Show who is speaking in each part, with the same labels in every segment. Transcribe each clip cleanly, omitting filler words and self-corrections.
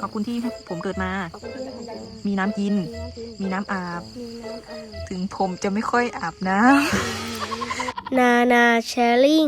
Speaker 1: ขอบคุณที่ให้ผมเกิดมามีน้ำกินมีน้ำอาบถึงผมจะไม่ค่อยอาบน้ำ
Speaker 2: นาแชร์ลิง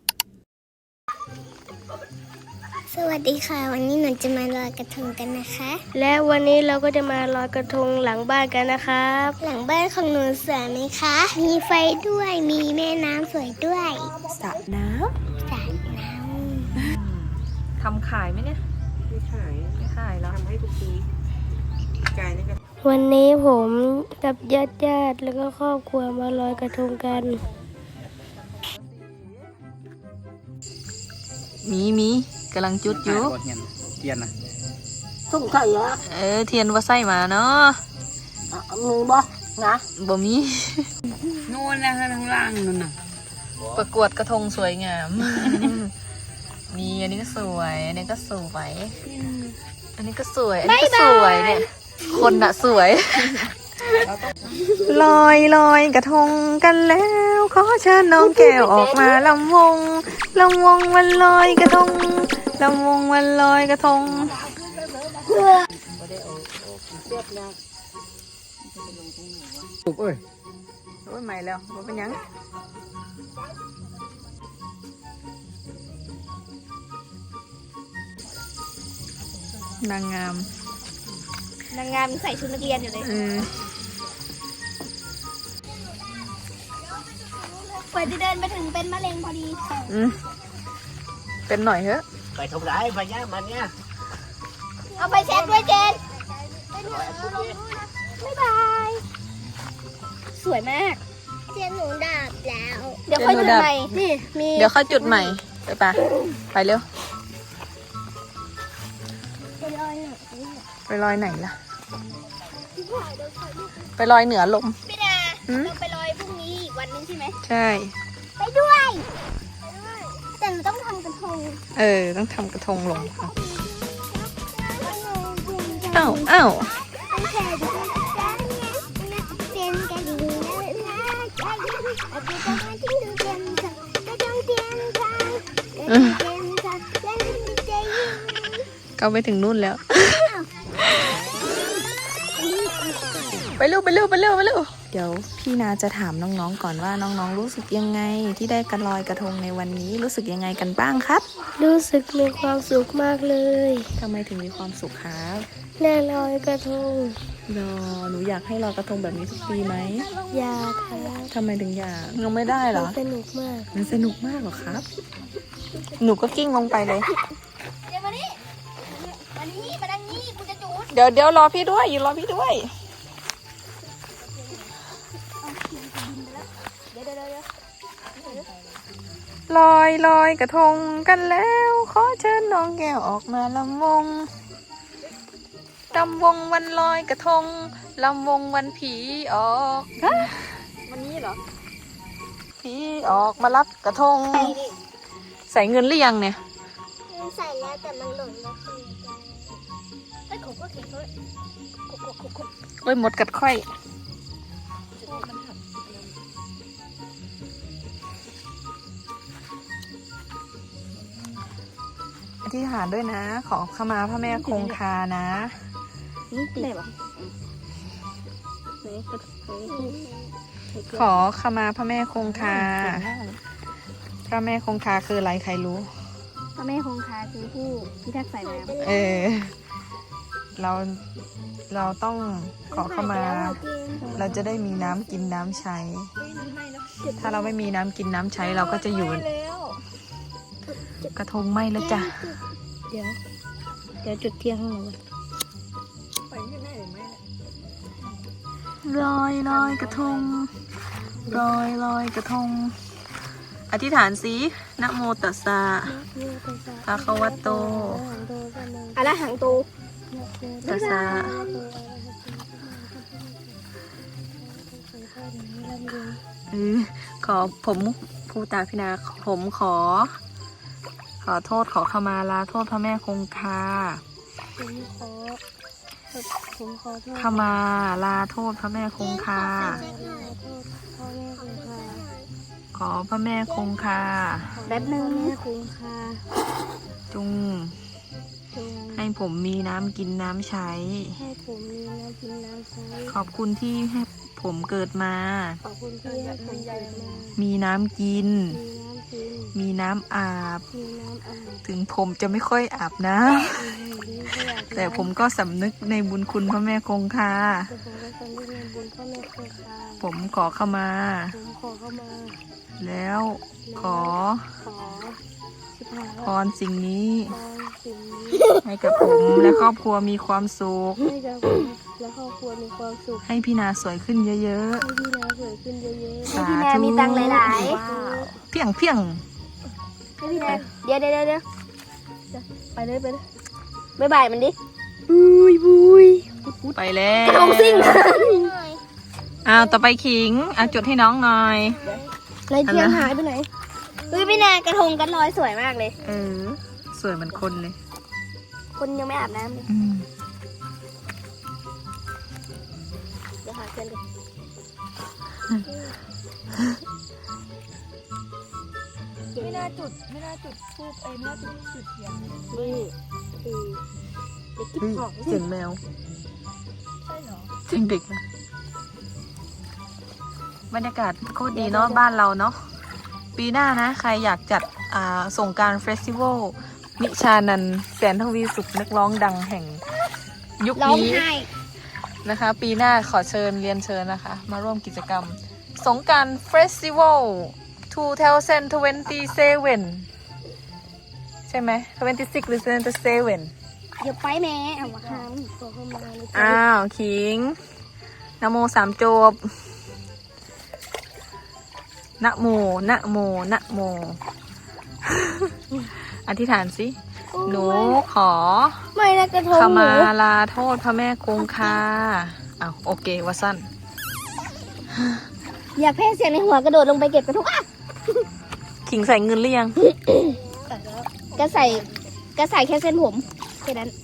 Speaker 3: สวัสดีค่ะวันนี้หนูจะมาลอยกระทงกันนะคะ
Speaker 2: และวันนี้เราก็จะมาลอยกระทงหลังบ้านกันนะครับ
Speaker 3: หลังบ้านของหนูสวยไหมคะมีไฟด้วยมีแม่น้ำสวยด้วย
Speaker 1: สระน้
Speaker 3: สระน้
Speaker 1: ำทำขายไหมเนี่ยไม่ขายแล้วทำให้ทุกปีกายนี่ก็
Speaker 2: วันนี้ผมกับญาติแล้วก็ครอบครัวมาลอยกระทงกัน
Speaker 1: มีกำลังจุดอยู่
Speaker 4: เทียนนะ
Speaker 5: สุ่มไข่เหรอ
Speaker 1: เทียนว่าใส่มาเนาะ
Speaker 5: มือบ่นะ
Speaker 1: บ่มี
Speaker 5: นู่นนะข้างล่างนู่นน่ะ
Speaker 1: ประกวดกระทงสวยงาม มีอันนี้ก็สวยอันนี้ก็สวยอันนี้ก็สวยอันนี้ก็สวยเนี่ยคนน่ะสวย ลอยกระทงกันแล้วขอเชิญน้องแก้วออกมาลำวงวันลอยกระทงลำวงวันลอยกระทง
Speaker 4: ปุ๊บเอ้ย
Speaker 1: โอ้ยใหม่แล้วมันเป็นยังนางงาม
Speaker 2: ใส่ชุดนักเรียนอยู่เลย
Speaker 3: ำกว่าจะเดินไปถึงเป็นมะเร็งพอดี
Speaker 1: เป็นหน่อยเถอะ
Speaker 4: ไปทำร้ายไปเนี้ยมันเนี้ย
Speaker 3: เอาไปเช็ดด้วยเจนบ๊ายบาย
Speaker 2: สวยมาก
Speaker 3: เทียนหนูดับแล้ว
Speaker 2: เดี๋ยวค่อยจุดใหม่นี่มี
Speaker 1: เดี๋ยวค่อยจุดใหม่ไปเร็วไปลอยไหนล่ะไปลอยเหนือลม
Speaker 3: พี่ดาเราไปลอยพรุ่งนี้อีกวันนึงใช่ไหม
Speaker 1: ใช่
Speaker 3: ไปด้วยแต่หนูต้องทำกระทง
Speaker 1: ต้องทำกระทงลงอ้าวเขาไปถึงนู่นแล้วไปเร็วเดี๋ยวพี่นาจะถามน้องๆก่อนว่าน้องๆรู้สึกยังไงที่ได้กันลอยกระทงในวันนี้รู้สึกยังไงกันบ้างครับ
Speaker 2: รู้สึกมีความสุขมากเลย
Speaker 1: ทำไมถึงมีความสุขครับ
Speaker 2: ได้ลอยกระทง
Speaker 1: หนูอยากให้ลอยกระทงแบบนี้ทุกปีไหม
Speaker 2: อยากครับ
Speaker 1: ทำไมถึงอยากยังไม่ได้เหรอ
Speaker 2: สนุกมาก
Speaker 1: มันสนุกมากเหรอครับหนูก็กิ้งลงไปเลย
Speaker 3: เดี๋ยวมานี่มาดังนี้กูจะจูด
Speaker 1: เดี๋ยวรอพี่ด้วยรอพี่ด้วยลอยกระทงกันแล้วขอเชิญน้องแก้วออกมาลำวงวันลอยกระทงลำวงวันผีออกวันนี้เหรอผีออกมารับกระทงใส่เงินหรือยังเนี่ย
Speaker 3: ใส่แล้วแต่มันหล่นแล้วคือไอ้ขบก็เข็นด้วย
Speaker 1: โอ้ยหมดกัดค่อยอธิษฐานด้วยนะขอขมาพระแม่คงคานะ
Speaker 2: ได้ปะ
Speaker 1: ขอขมาพระแม่คงคาพระแม่คงคาคืออะไรใครรู้
Speaker 2: พระแม่คงคาคือผู้พิทักษ์สายน้
Speaker 1: ำเราต้องขอขมาเราจะได้มีน้ำกินน้ำใช้ถ้าเราไม่มีน้ำกินน้ำใช้เราก็จะอยู่กระทงไหม้แล้วจ้ะ
Speaker 2: เดี๋ยวจุดเทียนข้างหลัง
Speaker 1: ลอยกระทงลอยกระทงอธิษฐานสินะโมตัสสะภะคะวะโต
Speaker 2: อะระหังโต
Speaker 1: ตัสสะขอผมภูตาพินาผมขอโทษขอขมาลาโทษพระแม่คงคาขมาลาโทษพระแม่คงคาขอพระแม่คงคา
Speaker 2: แบบนึงแม่คงคา
Speaker 1: จุง
Speaker 2: ทง
Speaker 1: ให้ผมมีน้ำกินน้ำใช้
Speaker 2: ให้ผมมีน้ำกินน้ำใช้
Speaker 1: ขอบคุณที่ให้ผมเกิดมา
Speaker 2: ขอบคุณที่ให้ผมเกิดมา
Speaker 1: มีน้ำกิน
Speaker 2: มีน้ำกิน
Speaker 1: มีน้ำอาบ
Speaker 2: มีน้ำอาบ
Speaker 1: ถึงผมจะไม่ค่อยอาบนะ แต่ผมก็สำนึกในบุญคุณพระแม่คงคา
Speaker 2: แต่ผมก็สำนึกในบุญพ่อแม่คงคา
Speaker 1: ผมขอเข้ามา
Speaker 2: ผมขอเข้ามา
Speaker 1: แล้วขอ
Speaker 2: ขอสิบหา
Speaker 1: พรสิ่งนี้
Speaker 2: พรสิ่งนี้
Speaker 1: ให้กับผมและครอบครัวมีความสุข
Speaker 2: ให้กับผมและครอบครัวมีความสุข
Speaker 1: ให้พี่นาสวยขึ้นเยอะ
Speaker 2: ให้พี่นาสวยขึ้นเยอะ
Speaker 1: ๆ
Speaker 2: ๆ
Speaker 1: สา
Speaker 3: พี่นา
Speaker 1: ธุ
Speaker 3: มีตังค์หลาย
Speaker 1: เพียงเพียง
Speaker 3: ให้พี่นาเดี๋ยวไปเลยบ๊ายบายมันดิ
Speaker 1: ไปแล้ว
Speaker 3: กระทงซิ่ง
Speaker 1: อ้าวต่อไปขิงจดให้น้องหน่อย
Speaker 3: ในเทียนหายไปไหนเฮ้ยพี่นากระทงกันลอยสวยมากเลย
Speaker 1: สวยเหมือนคนเลย
Speaker 3: คนยังไม่อาบน้ำเลย
Speaker 1: อืม
Speaker 3: เดี๋ยวหาเทียนกันไม่น่าจุดทูบไม่น่าจุดเทียนนี่เด็กกิ๊บ
Speaker 1: เฮ้ย
Speaker 3: ของ
Speaker 1: เสียงแมว
Speaker 3: ใช่เหรอ
Speaker 1: เสียงเด็กนะบรรยากาศโคตรดีเนาะบ้านเราเนาะปีหน้านะ ใครอยากจัดสงกรานต์เฟสติวัลนิชานันท์แสนทวีสุขนักร้องดังแห่งยุค
Speaker 3: ร้อง
Speaker 1: นี้
Speaker 3: ไห้
Speaker 1: นะคะ ปีหน้าขอเชิญเรียนเชิญนะคะ มาร่วมกิจกรรม สงกรานต์เฟสติวัล2027 ใช่ไหม26 หรือ 27
Speaker 3: เดี๋ยวไปแม่เอามาค่ะ
Speaker 2: ขอเข้ามาใน
Speaker 1: อ้าว ขิงนะโมสามจบนะโมนะโมนะโม อธิษฐานสิ หนูขอ
Speaker 3: ไม่นะกระทง
Speaker 1: ข
Speaker 3: หนู
Speaker 1: มาลาโทษพระแม่คงคาอ้าวโอเควะสั้น
Speaker 3: อย่าแพ้เสียงในหัวกระโดดลงไปเก็บกระทงอ่ะ
Speaker 1: ขิงใส่เงินหรือยัง
Speaker 3: ก็ใส่แค่เส้นผมแค่นั้น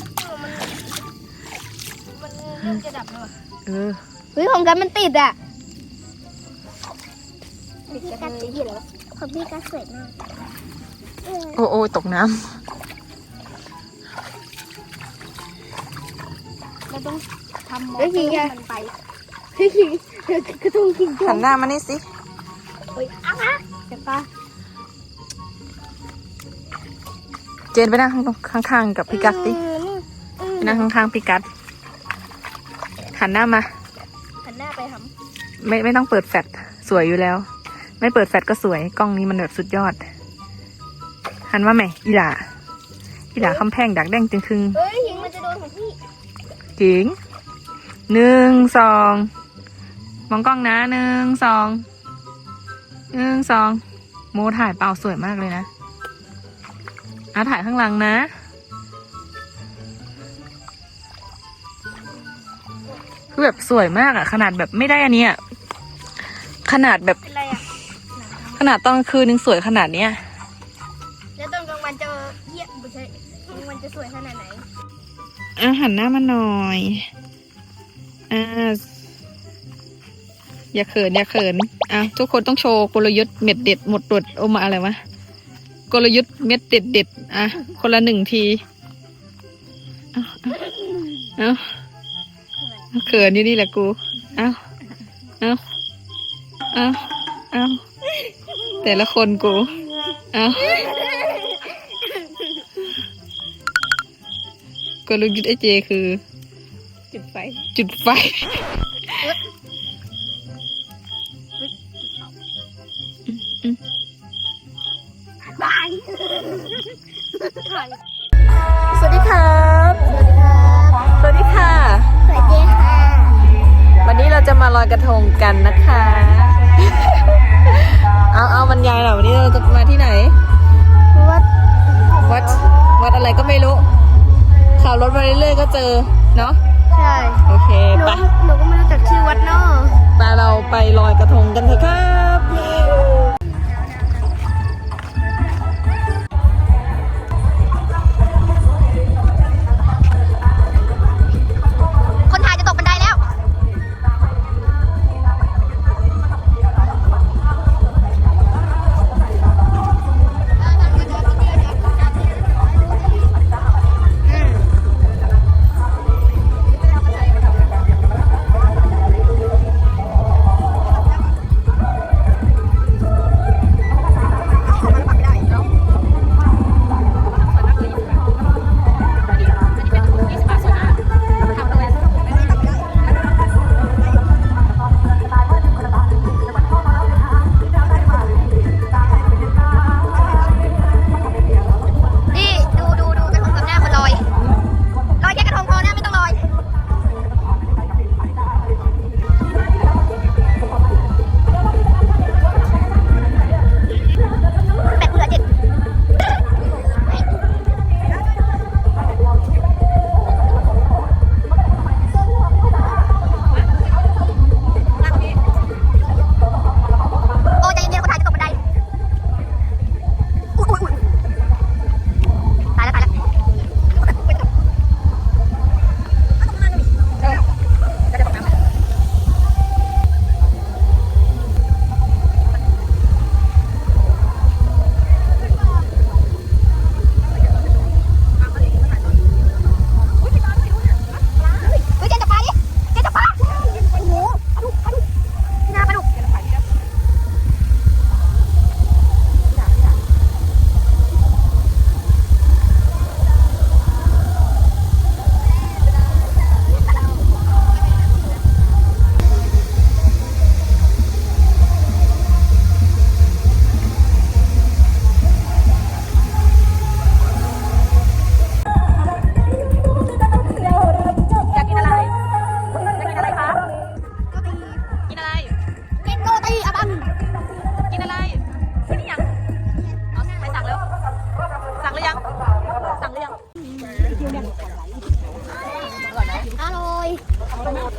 Speaker 3: มันจะดับแล้ว
Speaker 1: เออ
Speaker 3: เฮ้ยของกันมันติดอ่ะพี่กัดสีเหลืองของพี่กัดสวยมาก
Speaker 1: โอ้โอ้ตกน้
Speaker 3: เราต้องทำมอเตอร์ให้มันไปกระทงขิง
Speaker 1: ำหันหน้ามานี่สิ
Speaker 3: เฮ้ยอ้าวจะปะ
Speaker 1: เจนไปนั่งข้างๆกับพี่กัดสิไปนั่งข้างๆพี่กัดหันหน้ามา
Speaker 3: หันหน้าไปท
Speaker 1: ไม่ต้องเปิดแฟลชสวยอยู่แล้ว ไม่เปิดแฟลชก็สวยกล้องนี้มันแบบสุดยอด หันว่าไหมอีหล่าคำแพงดักแดงจึงคึง
Speaker 3: ำเฮ้ยหิงมันจะโดนของพี่
Speaker 1: ขิง1 2มองกล้องนะ1 2โมถ่ายเปล่าสวยมากเลยนะถ่ายข้างหลังนะคือแบบสวยมากอะขนาดแบบไม่ได้อันเนี้ยขนาดแบบ
Speaker 3: เป็นไรอ่ะ
Speaker 1: ขนาดตอนกลางคืนยังสวยขนาดเนี้ย
Speaker 3: แล้วตอนกลางวันจะเยี่ยมไม่ใช่กลางวันจะสวยขนาดไหน
Speaker 1: หันหน้ามาหน่อยอย่าเขินทุกคนต้องโชว์กลยุทธ์เม็ดเด็ดหมดตรวจโอมาอะไรวะกลยุทธ์เม็ดเด็ดคนละ1 ทีเอาเขินอยู่นี่แหละกูเอาแต่ละคนกูกลยุทธ์ไอเจคือ จุดไฟ
Speaker 3: บาย
Speaker 1: สวัสดีครับ สวัสดีค่ะ
Speaker 3: สวัสดีค่ะ
Speaker 1: วันนี้เราจะมาลอยกระทงกันนะคะ เอาบรรยายหน่อยวันนี้เราจะมาที่ไหน วัดอะไรก็ไม่รู้ขับรถมาเรื่อยๆก็เจอเนาะ
Speaker 3: ใช่
Speaker 1: โอเคไป
Speaker 3: หนูก็ไม่รู้จักชื่อวัดเนาะ
Speaker 1: ไปเราไปลอยกระทงกันเถอะครับ
Speaker 3: เอา